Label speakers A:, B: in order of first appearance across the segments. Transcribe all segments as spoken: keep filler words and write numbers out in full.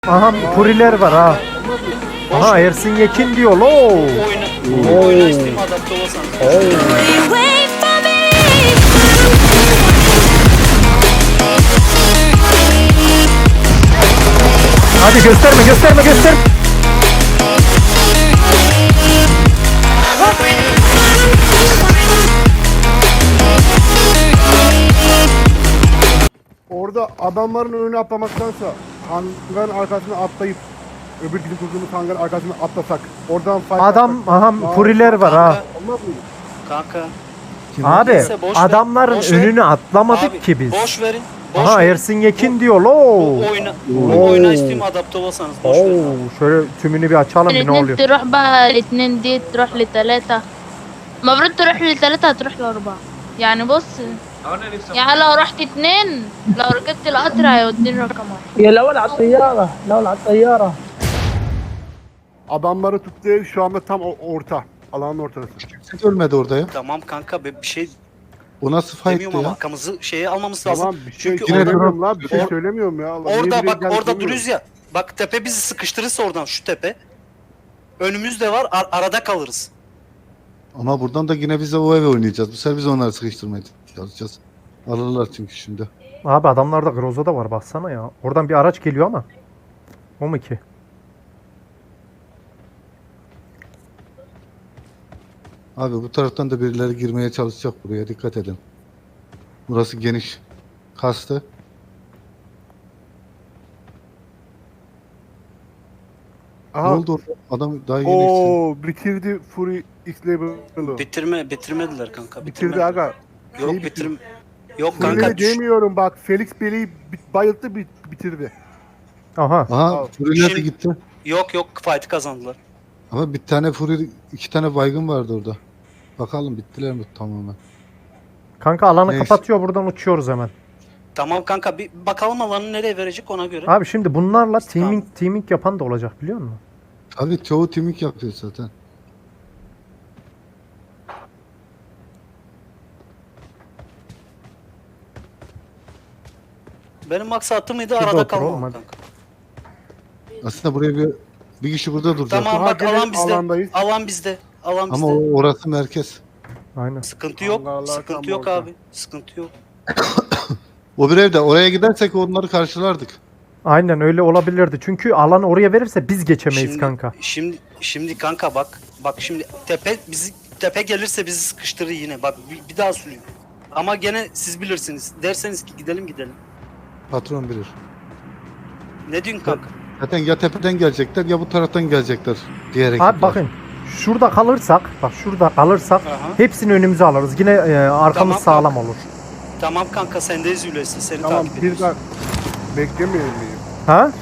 A: Aha Puriler var ha. Aha Ersin Yekin diyor lo.
B: Oyna, bu oyuna Steam adapte olursanız.
A: Hadi gösterme gösterme göster.
C: Orada adamların önüne atlamaktansa hangarın arkasına atlayıp öbür bizim kurduğumuz hangarın arkasına atlasak oradan fight
A: Adam
C: atsak-
A: aha
C: Aa,
A: Puriler var ha.
B: Kanka,
C: Olmaz mıydı?
B: kanka.
A: Abi
B: Neyse, boş ver,
A: adamların
B: boş ver.
A: önüne atlamadık
B: Abi,
A: ki biz.
B: boş verin. Boş
A: Aha
B: verin.
A: Ersin Yekin diyor lo.
B: Bu oyuna, bu oyuna Steam adapte olursanız boş
A: Oo,
B: verin. abi.
A: şöyle tümünü bir açalım bir ne
D: الاثنين
A: oluyor.
D: تروح بقى الاثنين دي تروح لثلاثة المفروض تروح لثلاثة هتروح لأربعة يعني بص يعني لو رحت اتنين لو ركبت القطر هيوديني رقم واحد
E: يا الاول على الطياره الاول على الطياره.
C: Adamları tuttuğu ev şu anda tam o- orta. Alanın ortası.
F: Kimse ölmedi orada ya.
B: Tamam kanka bir bir şey
F: O nasıl fight'tı
B: demiyorum ama
F: ya?
B: arkamızı şeye almamız lazım.
C: Tamam bir şey
B: Çünkü
F: Yine
C: söylemiyorum lan. Bir şey
B: Or-
C: söylemiyorum ya. Allah, niye
B: orada
C: buraya
B: bak
C: geldik
B: orada
C: bilmiyorum.
B: duruyoruz ya. Bak tepe bizi sıkıştırırsa oradan şu tepe. Önümüzde var ar- arada kalırız.
F: Ama buradan da yine biz de o eve oynayacağız. Bu sefer biz onları sıkıştırmaya çalışacağız. Alırlar çünkü şimdi.
A: Abi adamlarda Groza da var baksana ya. Oradan bir araç geliyor ama. O mu ki?
F: Abi bu taraftan da birileri girmeye çalışacak buraya. Dikkat edin. Burası geniş. Kastı. Ne
C: Aha.
F: oldu orada? Adam daha yeni eksildi.
C: Oo bitirdi Fury X-Label'ı.
B: Bitirme bitirmediler kanka.
C: Bitirdi
B: bitirmediler.
C: aga.
B: Yok
C: Şeyi
B: bitirim. Yok kanka.
C: Fury'leri
B: düş-
C: demiyorum bak. Felix Bey'i bit- bayılttı bit- bitirdi.
A: Aha.
F: Aha
C: Al.
F: Fury'ler de
B: Şimdi-
F: gitti.
B: Yok yok fight'ı kazandılar.
F: Ama bir tane Fury, iki tane baygın vardı orada. Bakalım bittiler mi tamamen?
A: Kanka alanı
F: Neyse.
A: kapatıyor buradan uçuyoruz hemen.
B: Tamam kanka bir bakalım alanı nereye verecek ona göre.
A: Abi şimdi bunlarla teaming teaming yapan da olacak biliyor musun?
F: Abi çoğu timik yapıyor zaten.
B: Benim maksatım mıydı
A: Şurada
B: arada
A: otur oğlum,
B: kalmam
A: hadi.
B: kanka.
F: Aslında buraya bir bir kişi burada duracak.
B: Tamam
C: Daha
B: bak
C: gene
B: alan bizde.
C: alandayız.
B: Alan bizde. Alan bizde.
F: Ama o- orası merkez.
A: Aynen.
B: Sıkıntı yok.
C: Allah Allah, tam
B: Sıkıntı yok
C: orada.
B: abi. Sıkıntı yok.
F: O bir evde. Oraya gidersek onları karşılardık.
A: Aynen öyle olabilirdi. Çünkü alanı oraya verirse biz geçemeyiz
B: Şimdi,
A: kanka.
B: Şimdi şimdi kanka bak. Bak şimdi tepe bizi tepe gelirse bizi sıkıştırır yine. Bak bir, bir daha söyleyeyim. Ama gene siz bilirsiniz. Derseniz ki gidelim gidelim.
F: Patron bilir.
B: Ne diyorsun kanka?
F: Zaten ya tepeden gelecekler ya bu taraftan gelecekler diğer ekipler.
A: Abi bakın şurada kalırsak bak şurada kalırsak
B: Aha.
A: hepsini önümüze alırız. Yine e, arkamız
B: Tamam,
A: sağlam olur.
B: Tamam kanka sendeyiz Hulusi. Seni
C: Tamam
B: takip
C: bir
B: ediyoruz.
C: daha beklemeyelim miyim?
A: Ha?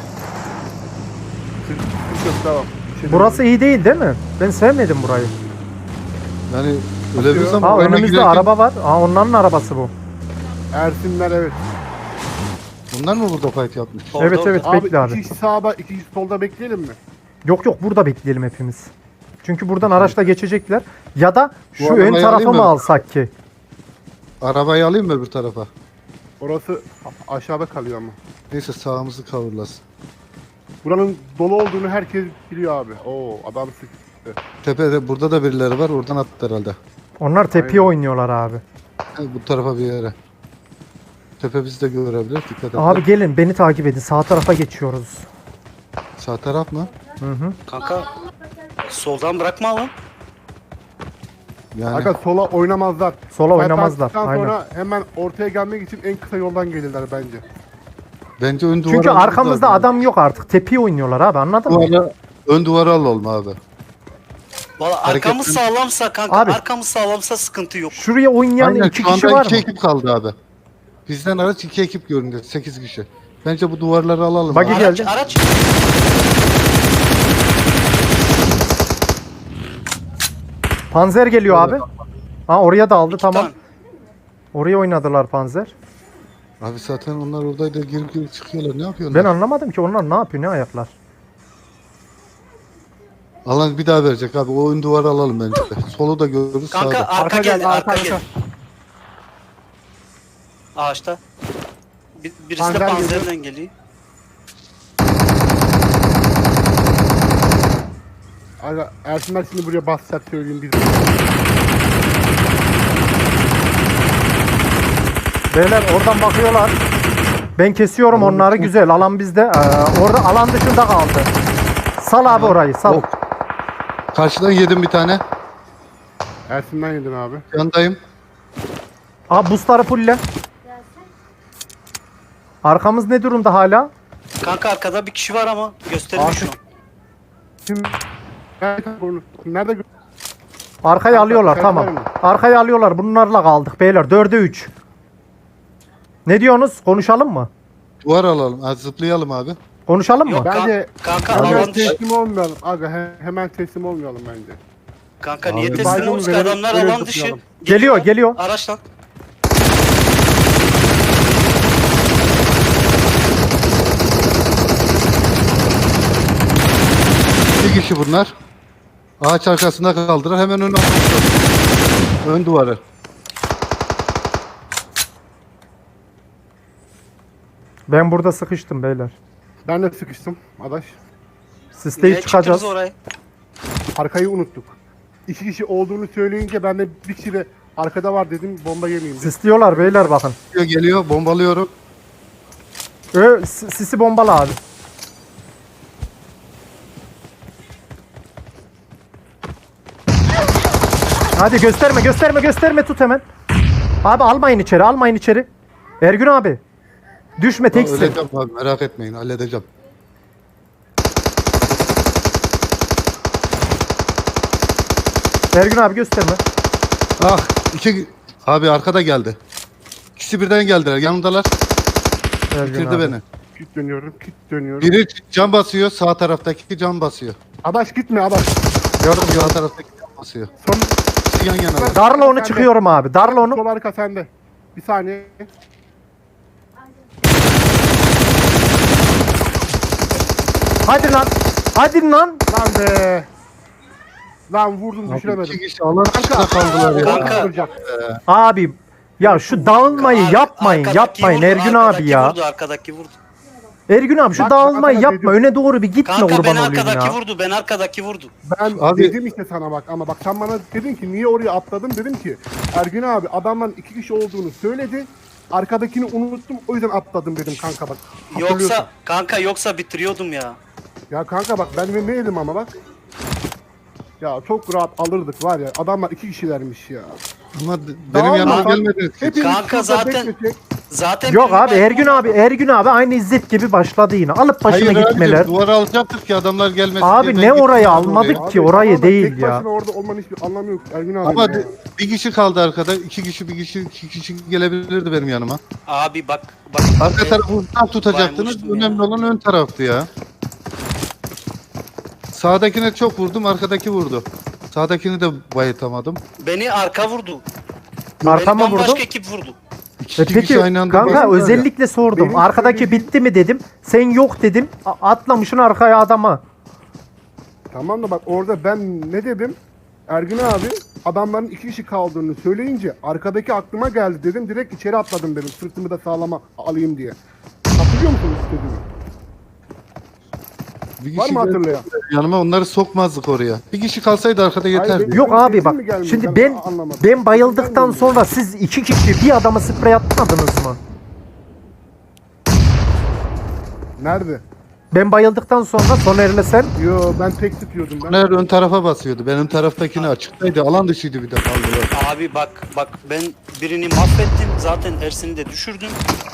C: Sıkıntı yok tamam. Şimdi-
A: Burası iyi değil değil mi? Ben sevmedim burayı.
F: Yani öyle bir zaman
A: Ha
F: oraya
A: önümüzde
F: girerken-
A: araba var. Ha onların arabası bu.
C: Ersinler evet.
F: Bunlar mı burada fight yapmış?
B: Orada,
A: Evet,
B: orada.
A: evet.
C: Abi
A: Bekle abi.
C: iki kişi sağda iki kişi solda bekleyelim mi?
A: Yok yok burada bekleyelim hepimiz. Çünkü buradan araçla geçecekler. Ya da
F: Bu
A: şu ön
F: arabayı
A: tarafı
F: alayım
A: mı
F: mı?
A: alsak ki?
F: Arabayı alayım mı öbür tarafa?
C: Orası a- aşağıda kalıyor ama.
F: Neyse sağımızı kavurlasın.
C: Buranın dolu olduğunu herkes biliyor abi. Oo adam sıktı.
F: Tepede burada da birileri var oradan attı herhalde.
A: Onlar tepeye
C: Aynen.
A: oynuyorlar abi.
F: Ha, bu tarafa bir yere. Tepe bizi de görebilir. Dikkat edin.
A: Abi gelin beni takip edin. Sağ tarafa geçiyoruz.
F: Sağ taraf mı?
A: Hı hı.
B: Kanka soldan bırakma lan.
F: Yani
C: Aga sola oynamazlar.
A: Sola
C: Fight
A: oynamazlar.
C: attıktan
A: Aynen.
C: sonra hemen ortaya gelmek için en kısa yoldan gelirler bence.
F: bence ön duvara...
A: Çünkü arkamızda adam yok artık. Tepeye oynuyorlar abi anladın mı?
F: Duvara, ön duvara alalım abi.
B: Valla
F: Hareket-
B: arkamız sağlamsa kanka
A: Abi.
B: arkamız sağlamsa sıkıntı yok.
A: Şuraya oynayan
F: Aynen
A: iki
F: şu
A: kişi
F: anda
A: var
F: iki
A: mı?
F: ekip kaldı abi. Bizden araç iki ekip görünüyor. Sekiz kişi. Bence bu duvarları alalım.
A: Bagi
F: abi.
A: gel-
B: Araç,
A: geldi.
B: araç.
A: Panzer geliyor abi. Ha oraya da aldı
B: İki
A: tamam.
B: tane.
A: Oraya oynadılar Panzer.
F: Abi zaten onlar oradaydı girip girip çıkıyorlar. Ne yapıyorlar?
A: Ben anlamadım ki onlar ne yapıyor ne ayaklar.
F: Alan bir daha verecek abi. O ön duvarı alalım bence de. Solu da görürüz
B: Kanka
F: sağda.
B: arka,
C: Arka
B: geldi,
C: geldi,
B: arka,
C: arka,
B: geldi.
C: arka.
B: Ağaçta. Bir, birisi de
C: Panzer
B: panzerden geliyor.
C: Aga Ersinler şimdi buraya basacak söyleyeyim biz.
A: Beyler oradan bakıyorlar. Ben kesiyorum onları güzel. Alan bizde. Ee, orada alan dışında kaldı. Sal abi orayı sal.
F: Oh. Karşıdan yedim bir tane.
C: Ersin'den yedin abi.
F: Yandayım.
A: Abi boostları fulle. Arkamız ne durumda hala?
B: Kanka arkada bir kişi var ama göstermiyor şu an.
C: Şimdi nerede onu- nerede gö-
A: Arkayı alıyorlar
C: Sen
A: tamam.
C: var mı?
A: Arkayı alıyorlar. Bunlarla kaldık beyler. dörde üç. Ne diyorsunuz? Konuşalım mı?
F: Duvar alalım. Ha, zıplayalım abi.
A: Konuşalım mı?
B: Yok kan-
C: Bence
B: kanka
C: hemen
B: alan dışı.
C: teslim olmayalım. Aga he- hemen teslim olmayalım bence.
B: Kanka
F: Abi,
B: niye teslim
C: baygın
B: olmuş ki
C: verelim,
B: adamlar
C: öyle
B: alan dışı.
C: zıplayalım.
A: Geliyor geliyor.
B: Araçla.
F: Bir kişi bunlar. Ağaç arkasında kaldılar. Hemen ön ön duvarı.
A: Ben burada sıkıştım beyler.
C: Ben de sıkıştım adaş.
A: Sisteyip
B: Niye
A: çıkacağız.
B: çıktınız oraya?
C: Arkayı unuttuk. İki kişi olduğunu söyleyince ben de bir kişi de arkada var dedim bomba yemeyeyim dedim.
A: Sisliyorlar beyler bakın.
F: Geliyor, geliyor. Bombalıyorum.
A: Ö, s- sisi bombalı abi. Hadi gösterme gösterme gösterme tut hemen. Abi almayın içeri almayın içeri. Ergün abi. Düşme teksin.
F: Öleceğim abi. Merak etmeyin. Halledeceğim.
A: Ergün abi gösterme.
F: Ah. iki abi arkada geldi. İkisi birden geldiler. Yanımdalar.
A: Ergün
F: Bitirdi
A: abi.
F: beni.
C: Kit dönüyorum, kit dönüyorum.
F: Biri cam basıyor. Sağ taraftaki cam basıyor.
C: Adaş gitme adaş.
F: Gördüm sağ taraftaki cam basıyor.
C: Son
F: İkisi yan yana.
A: Darla onu çıkıyorum abi. Darla onu.
C: sol arka sende. Bir saniye.
A: Hadi lan. Hadi lan.
C: Lan be. Lan vurdum düşüremedim.
F: İki kişi alan dışında kaldılar ya.
B: Kanka.
C: Vuracak.
A: Abi ya şu dağılmayı
B: Ar-
A: yapmayın
B: arkadaki
A: yapmayın
B: vurdu,
A: Ergün abi
B: arkadaki
A: ya.
B: Vurdu, arkadaki vurdu.
A: Ergün abi şu
C: Bak,
A: dağılmayı
C: bak,
A: yapma.
C: dedim.
A: Öne doğru bir gitme
B: Kanka
A: kurban
B: ben
A: olayım
B: arkadaki
A: ya.
B: vurdu. Ben arkadaki vurdu.
C: Ben
F: Abi-
C: dedim işte sana bak ama bak sen bana dedin ki niye oraya atladın dedim ki Ergün abi adamların iki kişi olduğunu söyledi. Arkadakini unuttum o yüzden atladım dedim kanka bak. Hatırlıyorsun.
B: Yoksa kanka yoksa bitiriyordum ya.
C: Ya kanka bak ben ne neydim ama bak. Ya çok rahat alırdık var ya adamlar iki kişilermiş ya.
F: Ama d- benim
C: Tamam,
F: yanıma
C: bak.
F: gelmediniz. ki.
C: Hepimiz
B: Kanka
C: şurada
B: zaten-
C: beklesek,
B: Zaten
A: Yok
B: birini
A: abi
B: baygın-
A: Ergün abi Ergün abi aynı İzzet gibi başladı yine. Alıp başına
F: Hayır
A: gitmeler.
F: abicim, duvara alacaktık ki adamlar gelmesin
A: Abi
F: diye ben
A: ne
F: gittim
A: orayı
F: abi
A: almadık
F: oraya.
A: ki
C: Abi,
A: orayı
C: tamam da
A: değil
C: tek
A: ya.
C: başına orada olmanın hiçbir anlamı yok Ergün abi.
F: Ama
C: ya.
F: d- bir kişi kaldı arkada. İki kişi bir kişi iki kişi gelebilirdi benim yanıma.
B: Abi bak bak.
F: Arka
B: e,
F: tarafı uzaktan tutacaktınız.
B: baymıştım
F: Önemli
B: ya.
F: olan ön taraftı ya. Sağdakine çok vurdum, arkadaki vurdu. Sağdakini de bayıltamadım.
B: Beni arka vurdu.
A: Arkama
B: Beni
A: vurdu.
B: bambaşka ekip vurdu.
F: İki
A: E
F: kişi
A: peki
F: aynı anda
A: kanka
F: bayıldılar ya.
A: özellikle sordum.
C: Benim
A: Arkadaki
C: söylediğim-
A: bitti mi dedim. Sen yok dedim. A- Atlamışın arkaya adama.
C: Tamam da bak orada ben ne dedim? Ergün abi adamların iki kişi kaldığını söyleyince arkadaki aklıma geldi dedim. Direkt içeri atladım dedim. Sırtımı da sağlama alayım diye. Hatırlıyor musunuz istediğimi?
F: Bir
C: Var
F: kişi
C: mı hatırlayan?
F: yanıma onları sokmazdık oraya. Bir kişi kalsaydı arkada yeterdi.
C: benim-
A: Yok abi bak
C: mi gelmiyor?
A: şimdi
C: Ben
A: ben
C: anlamadım.
A: ben bayıldıktan
C: Gelmiyor.
A: sonra siz iki kişi bir adama sprey atmadınız mı?
C: Nerede?
A: Ben bayıldıktan sonra Soner'le sen
C: Yo ben tek tutuyordum ben.
F: Onlar ön tarafa basıyordu. Benim taraftakini açıktaydı. Alan dışıydı bir de kaldılar.
B: Abi bak bak ben birini mahvettim. Zaten Ersin'i de düşürdüm.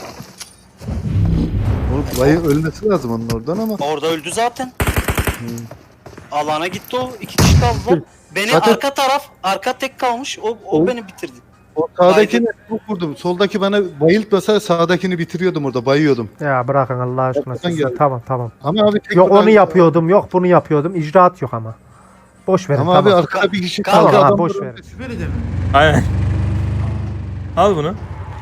F: O bayı ölmesi lazım onun oradan ama.
B: Orada öldü zaten. Alana gitti o. İki kişi kaldılar. Beni
F: Zaten-
B: arka taraf, arka tek kalmış. O, o
F: O-
B: beni bitirdi.
F: O sağdakini çok vurdum. Soldaki bana bayıltmasa sağdakini bitiriyordum orada. Bayıyordum.
A: ya bırakın Allah aşkına
F: Kapıdan
A: siz.
F: geldi.
A: Tamam tamam.
F: Ama abi tek
A: Yok
F: buradan-
A: onu yapıyordum yok bunu yapıyordum. İcraat yok ama. Boş verin
F: Ama
A: tamam.
F: abi arkada bir kişi
B: Tamam,
F: kaldı.
A: ha,
F: adam
A: boş
F: böyle-
A: verin.
G: Süper de mi?
H: Aynen. Al bunu.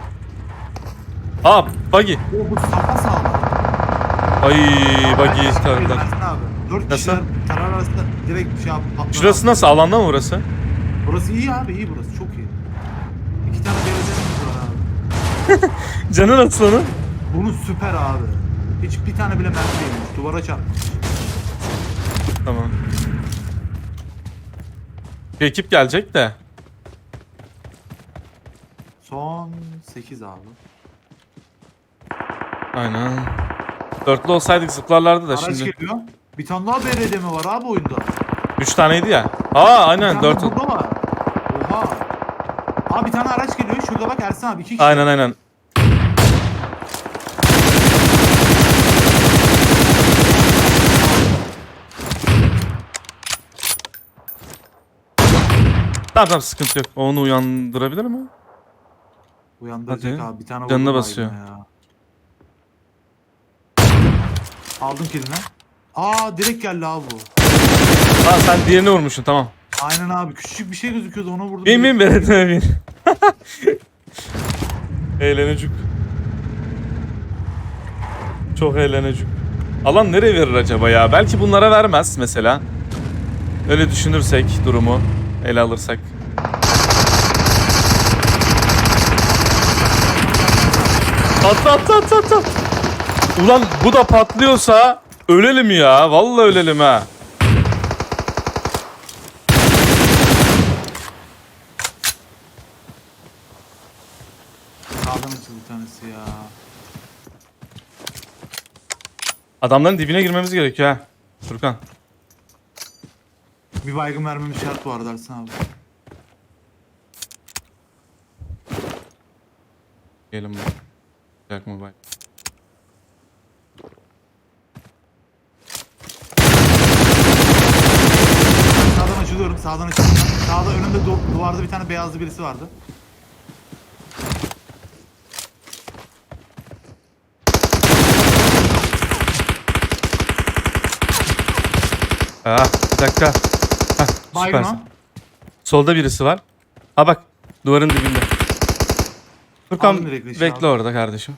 H: Aa buggy.
G: O bu sapa sağlam.
H: Ay buggy kanka.
G: Abi. Dört
H: Nasıl?
G: kişiler karar arasında direkt şey yap. patlar
H: Şurası
G: abi.
H: nasıl? Alanda mı burası?
G: Burası iyi abi iyi burası çok iyi. İki tane derecemiz var abi.
H: Canı nasıl onun?
G: Bunu süper abi. Hiç bir tane bile mermi değilmiş. Duvara çarpmış.
H: Tamam. Başka ekip gelecek de.
G: Son sekiz abi.
H: Aynen. Dörtlü olsaydık zıplarlardı da
G: Araç
H: şimdi.
G: geliyor. Bir tane daha B R D mi var abi oyunda?
H: Üç taneydi ya. Aa
G: Bir
H: aynen
G: tane
H: dört.
G: burada var. Oha. Abi bir tane araç geliyor. Şurada bak Ersin abi. iki kişi.
H: Aynen aynen. Tamam tamam sıkıntı yok. Onu uyandırabilir mi?
G: Uyandıracak
H: Hadi.
G: abi. Bir tane
H: Canına
G: vurdu
H: basıyor.
G: baygına ya. Aldım kilini. Aa direkt geldi abi bu.
H: Aa sen diğerini vurmuşsun tamam.
G: Aynen abi. Küçücük bir şey gözüküyordu. Ona vurdum.
H: Bin bin beredine bin. Eğlenecek. Çok eğlenecek. Alan nereye verir acaba ya? Belki bunlara vermez mesela. Öyle düşünürsek durumu ele alırsak. Atla atla atla atla. Ulan bu da patlıyorsa ölelim ya. Vallahi ölelim ha.
G: Sağdan açıldı bir tanesi ya.
H: Adamların dibine girmemiz gerekiyor ha. Furkan.
G: Bir baygın vermemiz şart bu arada Ersin abi.
H: Gelin bu. Jack Mobile.
G: Sağdan açılıyorum. Sağdan açılıyorum. Sağda önümde du- duvarda bir tane beyazlı birisi vardı.
H: Ah bir dakika. Hah,
G: Baygın
H: süpersin.
G: o.
H: Solda birisi var. Ha bak duvarın dibinde. Furkan
G: Aldım direkt leşi
H: bekle
G: abi.
H: orada kardeşim.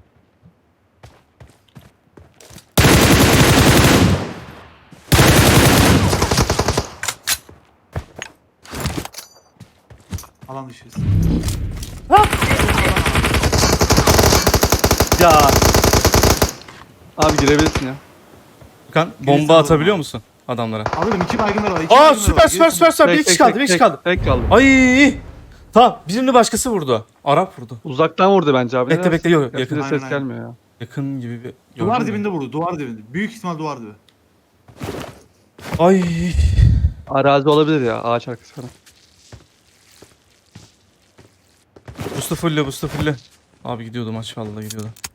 G: Alan dışıyız.
I: Ya. Abi girebilirsin ya.
H: Furkan
G: Gerisi
H: bomba
G: aldım
H: atabiliyor
G: abi.
H: musun adamlara?
G: Alırım iki baygınlar var. iki
H: Aa
G: baygınlar
H: süper
G: var.
H: süper
G: Gerisi-
H: süper süper. Bir
I: Tek,
H: kişi
I: tek,
H: kaldı bir
I: tek,
H: kişi
I: tek,
H: kaldı.
I: Tek kaldı.
H: Ay. Tamam birini başkası vurdu. Arap vurdu.
I: Uzaktan vurdu bence abi.
H: Bekle,
I: Ne
H: bekle,
I: dersin?
H: yok, yakın.
I: Yakında
G: Aynen,
I: ses
G: aynen.
I: gelmiyor ya.
H: Yakın gibi bir...
G: Duvar
H: Gördün mü?
G: dibinde vurdu. Duvar dibinde. Büyük ihtimal duvar dibi.
H: Ay.
I: Arazi olabilir ya. Ağaç arkası falan.
H: Bustu fulle bustu fulle. Abi gidiyordu maç vallahi gidiyordu.